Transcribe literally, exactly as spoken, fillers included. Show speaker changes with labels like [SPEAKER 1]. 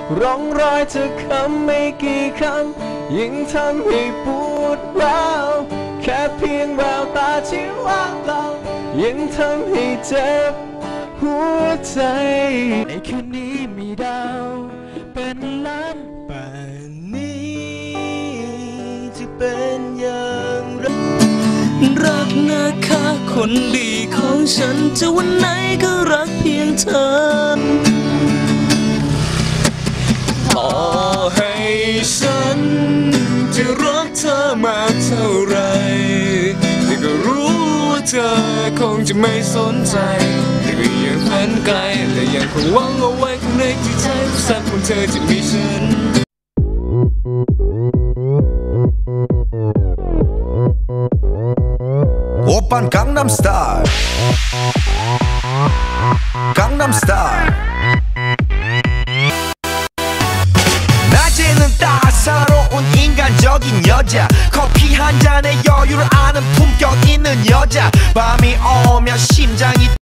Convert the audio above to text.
[SPEAKER 1] ร่องรอยจากคำไม่กี่คำยิ่งทำให้ปวดร้าวแค่เพียงแววตาที่ว่างเปล่ายิ่งทำให้เจ็บหัวใจในคืนนี้มีดาวเป็นล้านป่านนี้จะเป็นอย่างไรรักนะคะคนดีของฉันจะวันไหนก็รักเพียงเธอต่อให้ฉันจะรักเธอมากเท่าไรแต่ก็รู้ว่าเธอคงจะไม่สนใจแต่ก็ยังฝันไกลและยังคงหวังเอาไว้ข้างในจิตใจสักวันเธอจะมีฉัน
[SPEAKER 2] 오빤 강남스타일 강남스타일 낮에는 따사로운 인간적인 여자 커피 한 잔에 여유를 아는 품격 있는 여자 밤이 오면 심장이